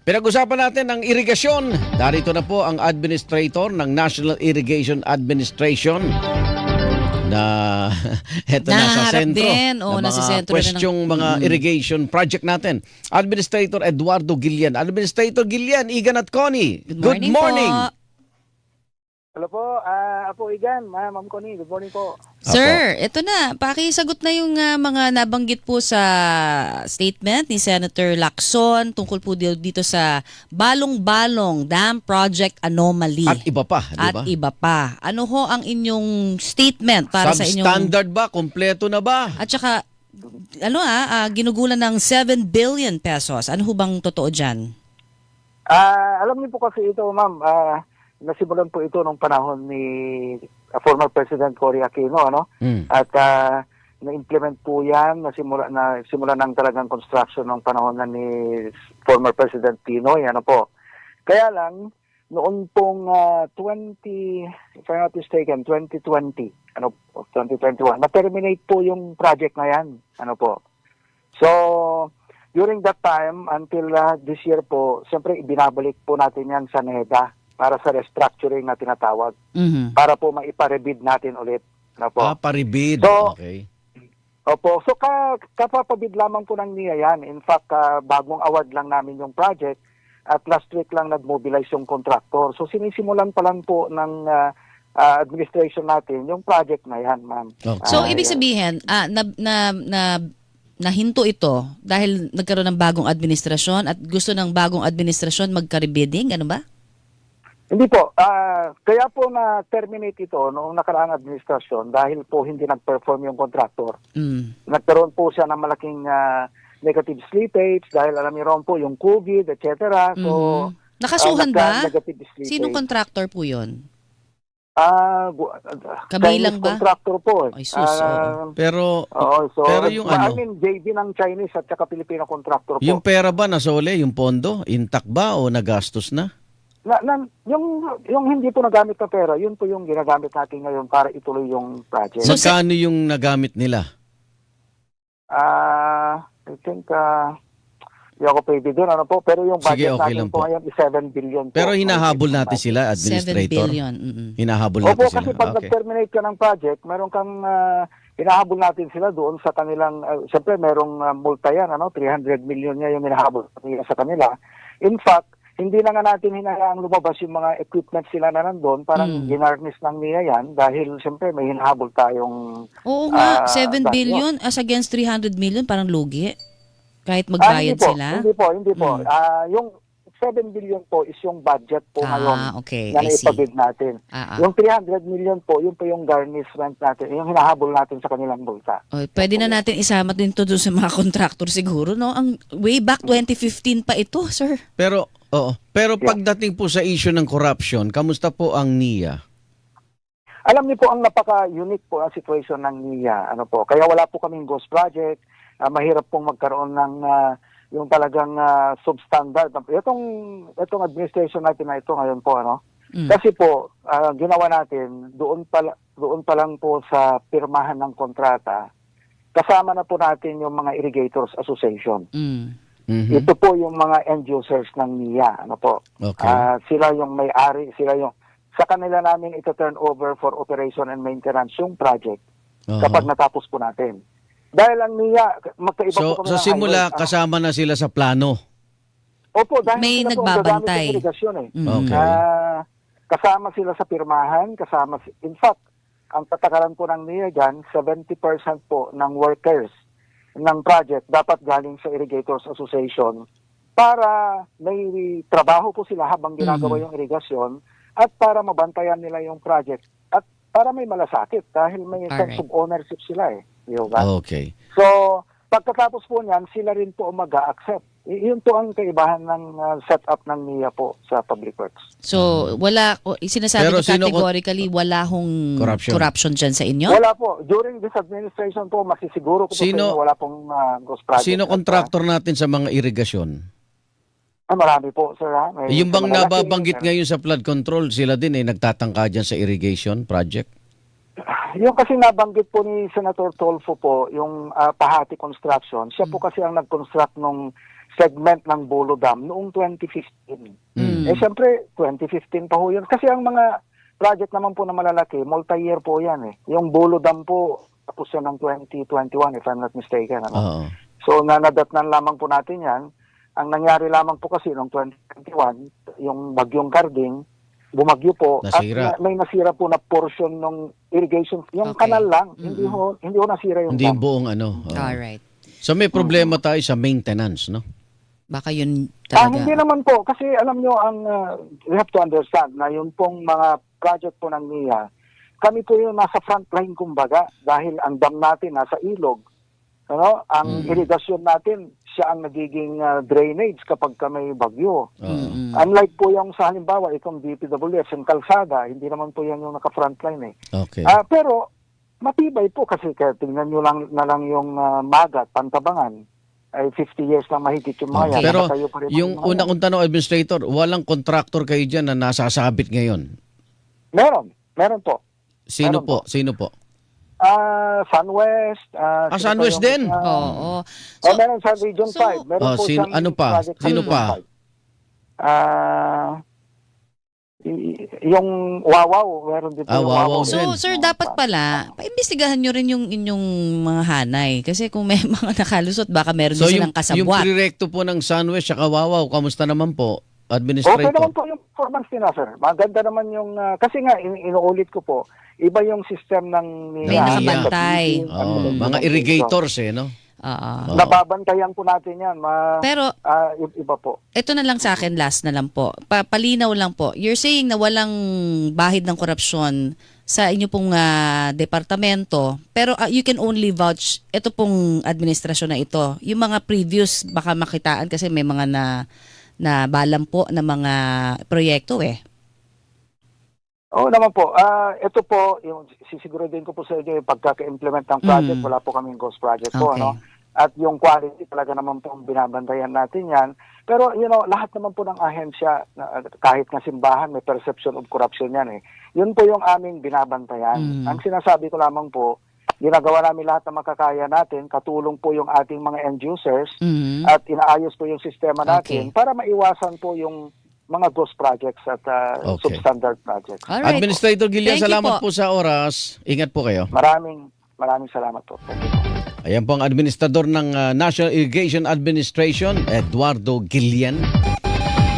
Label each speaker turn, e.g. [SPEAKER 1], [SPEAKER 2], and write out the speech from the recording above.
[SPEAKER 1] Pinag-usapan natin ang irigasyon. Darito na po ang administrator ng National Irrigation Administration na eto na sa
[SPEAKER 2] Naharap
[SPEAKER 1] sentro
[SPEAKER 2] din.
[SPEAKER 1] ng
[SPEAKER 2] Oo, nasa
[SPEAKER 1] mga
[SPEAKER 2] sentro na
[SPEAKER 1] questioning mga irrigation project natin. Administrator Eduardo Gillian. Administrator Gillian, Igan at Connie.
[SPEAKER 2] Good morning po.
[SPEAKER 3] Hello po, Apo Igan, Ma'am Connie, good morning po.
[SPEAKER 2] Sir, ito na. Pakisagot na yung mga nabanggit po sa statement ni Senator Lacson tungkol po dito sa Balong-Balong Dam Project Anomaly.
[SPEAKER 1] At iba pa, di ba?
[SPEAKER 2] At iba pa. Ano ho ang inyong statement para sa inyong...
[SPEAKER 1] Substandard ba? Kompleto na ba?
[SPEAKER 2] At saka, ginugulan ng 7 billion pesos. Ano ho bang totoo dyan?
[SPEAKER 3] Alam niyo po kasi ito, Ma'am, nasimulan po ito nung panahon ni former President Cory Aquino, ano? At na-implement po yan, simula ng talagang construction ng panahon na ni former President Pinoy, ano po. Kaya lang, noon pong if I'm not mistaken, 2020, 2021, na-terminate po yung project na yan, ano po. So, during that time, until this year po, siyempre ibinabalik po natin yan sa NEDA para sa restructuring na tinatawag. Para po maiparebid natin ulit. Ano po.
[SPEAKER 1] Paribid.
[SPEAKER 3] So,
[SPEAKER 1] okay.
[SPEAKER 3] Opo. So, kapapabid lamang po ng NIA yan. In fact, bagong award lang namin yung project at last week lang nag-mobilize yung contractor. So, sinisimulan pa lang po ng administration natin yung project na yan, ma'am.
[SPEAKER 1] Okay.
[SPEAKER 2] So, ibig sabihin, nahinto ito dahil nagkaroon ng bagong administrasyon at gusto ng bagong administrasyon magka-rebidding, ano ba?
[SPEAKER 3] Hindi po. Kaya po na-terminate ito noong nakaraang administrasyon dahil po hindi nag-perform yung contractor. Nagkaroon po siya ng malaking negative slippage dahil alam niyo ron po yung COVID, etc. So,
[SPEAKER 2] nakasuhan ba?
[SPEAKER 3] Negative slippage.
[SPEAKER 2] Sinong contractor po yun?
[SPEAKER 3] Chinese
[SPEAKER 2] Kabilang ba?
[SPEAKER 3] contractor po.
[SPEAKER 2] Ay, sus, oo.
[SPEAKER 1] Pero
[SPEAKER 3] So,
[SPEAKER 1] pero yung
[SPEAKER 3] I
[SPEAKER 1] ano,
[SPEAKER 3] mean, JV ng Chinese at saka Filipino contractor po.
[SPEAKER 1] yung pera ba nasole, yung pondo, intact ba o nagastos na?
[SPEAKER 3] Yung hindi po nagamit na pera, yun po yung ginagamit natin ngayon para ituloy yung project.
[SPEAKER 2] So,
[SPEAKER 1] Magkano yung nagamit nila?
[SPEAKER 3] I think, hindi ako pwede doon, ano po, pero yung
[SPEAKER 1] Sige,
[SPEAKER 3] budget
[SPEAKER 1] okay
[SPEAKER 3] natin
[SPEAKER 1] lang
[SPEAKER 3] po
[SPEAKER 1] po.
[SPEAKER 3] ngayon is 7 billion po.
[SPEAKER 1] Pero hinahabol natin sila,
[SPEAKER 2] 7
[SPEAKER 1] administrator.
[SPEAKER 2] billion.
[SPEAKER 1] Hinahabol
[SPEAKER 3] Opo,
[SPEAKER 1] natin sila.
[SPEAKER 3] kasi pag
[SPEAKER 1] Okay.
[SPEAKER 3] nag-terminate ka ng project, meron kang, hinahabol natin sila doon sa kanilang, siyempre merong multa yan, 300 million niya yung hinahabol sa kanila. In fact, hindi na nga natin hinahaang lumabas yung mga equipment sila na nandun, parang ginarnish ng niya yan dahil siyempre may hinahabol tayong...
[SPEAKER 2] Oo nga, 7
[SPEAKER 3] dahil-
[SPEAKER 2] billion as against 300 million, parang lugi. Kahit magbayad sila.
[SPEAKER 3] Hindi po. Yung 7 billion po is yung budget po ngayon
[SPEAKER 2] Okay,
[SPEAKER 3] na
[SPEAKER 2] I see.
[SPEAKER 3] naipabid natin. Yung 300 million po, yun po yung garnishment natin, yung hinahabol natin sa kanilang multa.
[SPEAKER 2] Pwede na natin isama din to doon sa mga contractor siguro, no? Ang way back 2015 pa ito, sir.
[SPEAKER 1] Pero pagdating po sa issue ng corruption, kamusta po ang NIA?
[SPEAKER 3] Alam niyo po, ang napaka-unique po ang situation ng NIA. Kaya wala po kaming ghost project. Mahirap pong magkaroon ng yung talagang substandard. Itong administration natin na ito ngayon po, Kasi po, ginawa natin, doon pa lang po sa pirmahan ng kontrata, kasama na po natin yung mga Irrigators Association. Ito po yung mga end users ng NIA.
[SPEAKER 1] Okay.
[SPEAKER 3] Sila yung may-ari, sa kanila namin ito turn over for operation and maintenance yung project kapag natapos po natin. Dahil ang NIA, magkaiba po kami
[SPEAKER 1] So
[SPEAKER 3] ng
[SPEAKER 1] simula
[SPEAKER 3] highway.
[SPEAKER 1] kasama na sila sa plano.
[SPEAKER 3] Opo, dahil
[SPEAKER 2] May
[SPEAKER 3] sila po ang
[SPEAKER 2] nagbabantay.
[SPEAKER 3] gagamit ng irigasyon
[SPEAKER 1] Okay.
[SPEAKER 3] Kasama sila sa pirmahan, in fact, ang patakaran po ng NIA dyan, 70% po ng workers ng project dapat galing sa Irrigators Association para may trabaho po sila habang ginagawa yung irigasyon at para mabantayan nila yung project at para may malasakit dahil may sense of ownership sila Diba?
[SPEAKER 1] Okay.
[SPEAKER 3] So, pagkatapos po niyan, sila rin po mag-a-accept. Yun po ang kaibahan ng setup ng NIA po sa Public Works.
[SPEAKER 2] So, sinasabi
[SPEAKER 1] Pero
[SPEAKER 2] ko categorically, wala hong corruption dyan sa inyo?
[SPEAKER 3] Wala po. During this administration po, masisiguro ko po sa inyo, wala pong ghost project.
[SPEAKER 1] Sino contractor natin sa mga irigasyon?
[SPEAKER 3] Marami po, sir.
[SPEAKER 1] Yung bang nababanggit ngayon sa flood control, sila din nagtatangka dyan sa irrigation project?
[SPEAKER 3] Yung kasi nabanggit po ni Senator Tolfo po, yung Pahati Construction, siya po kasi ang nag-construct nung segment ng Bolo Dam noong 2015. Eh siyempre, 2015 pa ho yun. Kasi ang mga project naman po na malalaki, multi-year po yan eh. Yung Bolo Dam po, tapos yan ng 2021 if I'm not mistaken. Ano?
[SPEAKER 1] Oo.
[SPEAKER 3] So nanadatnan lamang po natin yan. Ang nangyari lamang po kasi noong 2021, yung bagyong Karding, bumagyo po
[SPEAKER 1] Nasira.
[SPEAKER 3] at may nasira po na portion ng irrigation. Yung
[SPEAKER 2] Okay.
[SPEAKER 3] kanal lang, hindi ho nasira yung
[SPEAKER 1] Hindi
[SPEAKER 3] dam.
[SPEAKER 1] buong ano. Oo.
[SPEAKER 2] Alright.
[SPEAKER 1] So may problema tayo sa maintenance, no?
[SPEAKER 2] Baka yun talaga.
[SPEAKER 3] Hindi naman po. Kasi alam nyo, we have to understand na yung pong mga project po ng NIA, kami po yung nasa front line kumbaga dahil ang dam natin nasa ilog. Ano? Ang irigasyon natin, siya ang nagiging drainage kapag may bagyo.
[SPEAKER 1] Oo.
[SPEAKER 3] Unlike po yung sa halimbawa, itong DPWF, yung kalsada, hindi naman po yan yung naka-frontline eh.
[SPEAKER 1] Okay.
[SPEAKER 3] Pero matibay po kasi kaya tingnan nyo lang na lang yung Magat, Pantabangan, ay 50 years na mahigit yung mga yan.
[SPEAKER 1] Pero
[SPEAKER 3] Nakatayo pa rin
[SPEAKER 1] yung
[SPEAKER 3] mga
[SPEAKER 1] una
[SPEAKER 3] yan.
[SPEAKER 1] kong tanong, Administrator, walang contractor kayo dyan na nasasabit ngayon?
[SPEAKER 3] Meron po.
[SPEAKER 1] Sino
[SPEAKER 3] Meron
[SPEAKER 1] po? Sino po?
[SPEAKER 3] Sunwest. Sino
[SPEAKER 1] Sunwest
[SPEAKER 3] pa yung,
[SPEAKER 1] din?
[SPEAKER 2] Oo.
[SPEAKER 3] meron sa Region 5. Meron po
[SPEAKER 1] sino,
[SPEAKER 3] siyang
[SPEAKER 1] ano pa?
[SPEAKER 3] project sa
[SPEAKER 1] Sino
[SPEAKER 3] Region
[SPEAKER 1] pa?
[SPEAKER 3] 5. Yung Wawaw, meron din po yung
[SPEAKER 1] Wawaw
[SPEAKER 3] Wawaw.
[SPEAKER 1] din.
[SPEAKER 2] So, sir, dapat pala, paimbestigahan nyo rin yung inyong mga hanay. Kasi kung may mga nakalusot, baka meron
[SPEAKER 1] So
[SPEAKER 2] din
[SPEAKER 1] yung
[SPEAKER 2] silang kasabwat.
[SPEAKER 1] direkto po ng Sunwest at Wawaw, kamusta naman po,
[SPEAKER 3] Okay
[SPEAKER 1] Administrator?
[SPEAKER 3] naman po yung performance nila, sir. Maganda naman yung, kasi nga, inuulit ko po, iba yung system ng
[SPEAKER 2] May
[SPEAKER 3] NIA.
[SPEAKER 2] nakabantay.
[SPEAKER 1] Mga irrigators no?
[SPEAKER 2] Oo.
[SPEAKER 1] Oo.
[SPEAKER 3] Nababantayan po natin yan.
[SPEAKER 2] Pero,
[SPEAKER 3] Iba po.
[SPEAKER 2] ito na lang sa akin, last na lang po. Palinaw lang po. You're saying na walang bahid ng korupsyon sa inyo pong departamento, pero you can only vouch ito pong administrasyon na ito. Yung mga previous, baka makitaan kasi may mga na balam po na mga proyekto eh.
[SPEAKER 3] Oo naman po. Ito po, yung sisiguraduhin ko po sa inyo yung pagkaka-implement ng project, wala po kaming ghost project po.
[SPEAKER 2] Okay.
[SPEAKER 3] No? At yung quality talaga naman po binabantayan natin yan. Pero lahat naman po ng ahensya, kahit na simbahan, may perception of corruption yan eh. Yun po yung aming binabantayan. Ang sinasabi ko lamang po, ginagawa namin lahat ng makakaya natin, katulong po yung ating mga end users at inaayos po yung sistema natin para maiwasan po yung mga ghost projects at substandard projects.
[SPEAKER 2] Alright.
[SPEAKER 1] Administrator Gillian,
[SPEAKER 2] Thank you
[SPEAKER 1] salamat
[SPEAKER 2] po.
[SPEAKER 1] po sa oras. Ingat po kayo.
[SPEAKER 3] Maraming salamat po. Thank you.
[SPEAKER 1] Ayan po ang administrador ng National Irrigation Administration, Eduardo Gillian.